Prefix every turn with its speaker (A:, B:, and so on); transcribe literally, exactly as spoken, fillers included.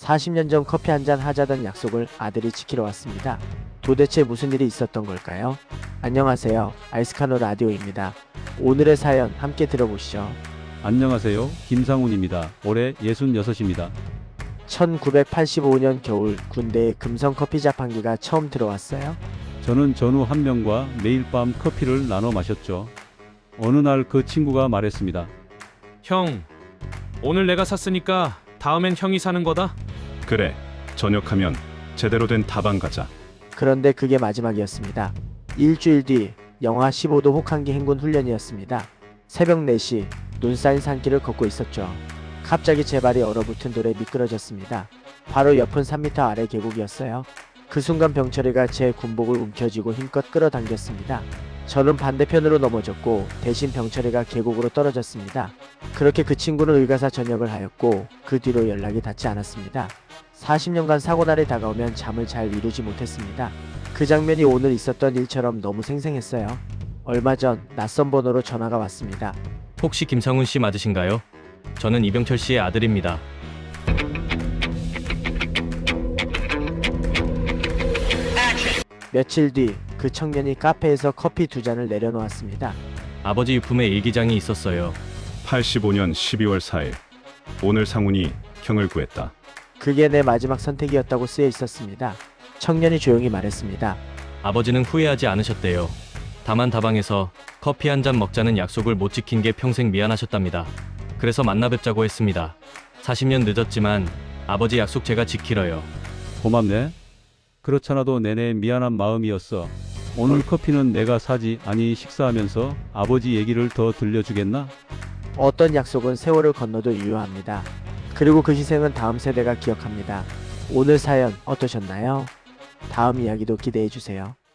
A: 사십 년 전 커피 한잔 하자던 약속을 아들이 지키러 왔습니다. 도대체 무슨 일이 있었던 걸까요? 안녕하세요. 알스카노 라디오입니다. 오늘의 사연 함께 들어보시죠.
B: 안녕하세요. 김상훈입니다. 올해 예순여섯입니다.
A: 천구백팔십오 년 겨울 군대에 금성 커피 자판기가 처음 들어왔어요.
B: 저는 전우 한 명과 매일 밤 커피를 나눠 마셨죠. 어느 날 그 친구가 말했습니다.
C: 형, 오늘 내가 샀으니까 다음엔 형이 사는 거다?
D: 그래, 저녁하면 제대로 된 다방 가자.
A: 그런데 그게 마지막이었습니다. 일주일 뒤 영하 십오 도 혹한기 행군 훈련이었습니다. 새벽 네 시 눈 쌓인 산길을 걷고 있었죠. 갑자기 제 발이 얼어붙은 돌에 미끄러졌습니다. 바로 옆은 삼 미터 아래 계곡이었어요. 그 순간 병철이가 제 군복을 움켜쥐고 힘껏 끌어당겼습니다. 저는 반대편으로 넘어졌고 대신 병철이가 계곡으로 떨어졌습니다. 그렇게 그 친구는 의가사 전역을 하였고 그 뒤로 연락이 닿지 않았습니다. 사십 년간 사고날이 다가오면 잠을 잘 이루지 못했습니다. 그 장면이 오늘 있었던 일처럼 너무 생생했어요. 얼마 전 낯선 번호로 전화가 왔습니다.
C: 혹시 김상훈 씨 맞으신가요? 저는 이병철 씨의 아들입니다.
A: 며칠 뒤 그 청년이 카페에서 커피 두 잔을 내려놓았습니다.
C: 아버지 유품에 일기장이 있었어요.
D: 팔십오 년 십이월 사일. 오늘 상훈이 형을 구했다.
A: 그게 내 마지막 선택이었다고 쓰여 있었습니다. 청년이 조용히 말했습니다.
C: 아버지는 후회하지 않으셨대요. 다만 다방에서 커피 한 잔 먹자는 약속을 못 지킨 게 평생 미안하셨답니다. 그래서 만나 뵙자고 했습니다. 사십 년 늦었지만 아버지 약속 제가 지키러요.
B: 고맙네. 그렇잖아도 내내 미안한 마음이었어. 오늘 커피는 내가 사지 아니 식사하면서 아버지 얘기를 더 들려주겠나?
A: 어떤 약속은 세월을 건너도 유효합니다. 그리고 그 희생은 다음 세대가 기억합니다. 오늘 사연 어떠셨나요? 다음 이야기도 기대해주세요.